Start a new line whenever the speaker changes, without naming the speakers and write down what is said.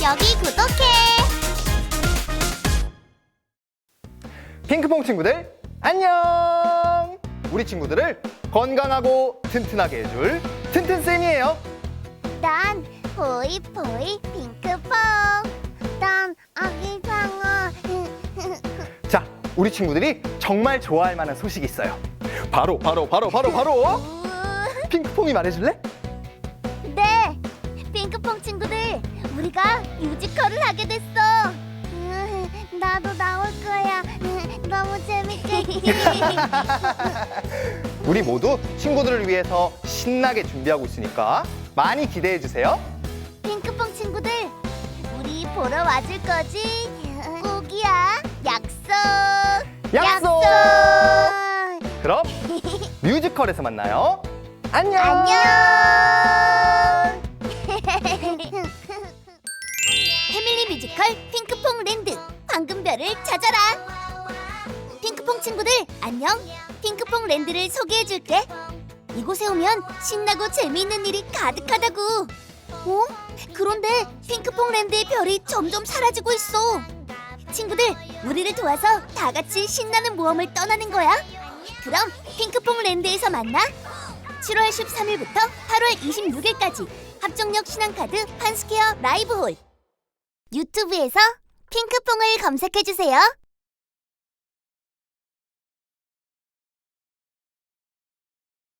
여기 구독해.
핑크퐁 친구들 안녕! 우리 친구들을 건강하고 튼튼하게 해줄 튼튼쌤이에요.
난 보이보이 핑크퐁. 난 아기 상어.
자, 우리 친구들이 정말 좋아할 만한 소식이 있어요. 바로 핑크퐁이 말해줄래?
네, 핑크퐁 친구들, 우리가 뮤지컬을 하게 됐어. 나도 나올 거야. 너무 재밌겠지.
우리 모두 친구들을 위해서 신나게 준비하고 있으니까 많이 기대해 주세요.
핑크퐁 친구들, 우리 보러 와줄 거지? 꼭이야. 약속. 그럼
뮤지컬에서 만나요. 안녕.
패밀리 뮤지컬 핑크퐁 랜드 황금별을 찾아라. 핑크퐁 친구들 안녕. 핑크퐁 랜드를 소개해줄게. 이곳에 오면 신나고 재미있는 일이 가득하다고. 어? 그런데 핑크퐁 랜드의 별이 점점 사라지고 있어. 친구들, 우리를 도와서 다 같이 신나는 모험을 떠나는 거야. 그럼 핑크퐁 랜드에서 만나. 7월 13일부터 8월 26일까지 합정역 신한카드 판스퀘어 라이브홀. 유튜브에서 핑크퐁을 검색해주세요.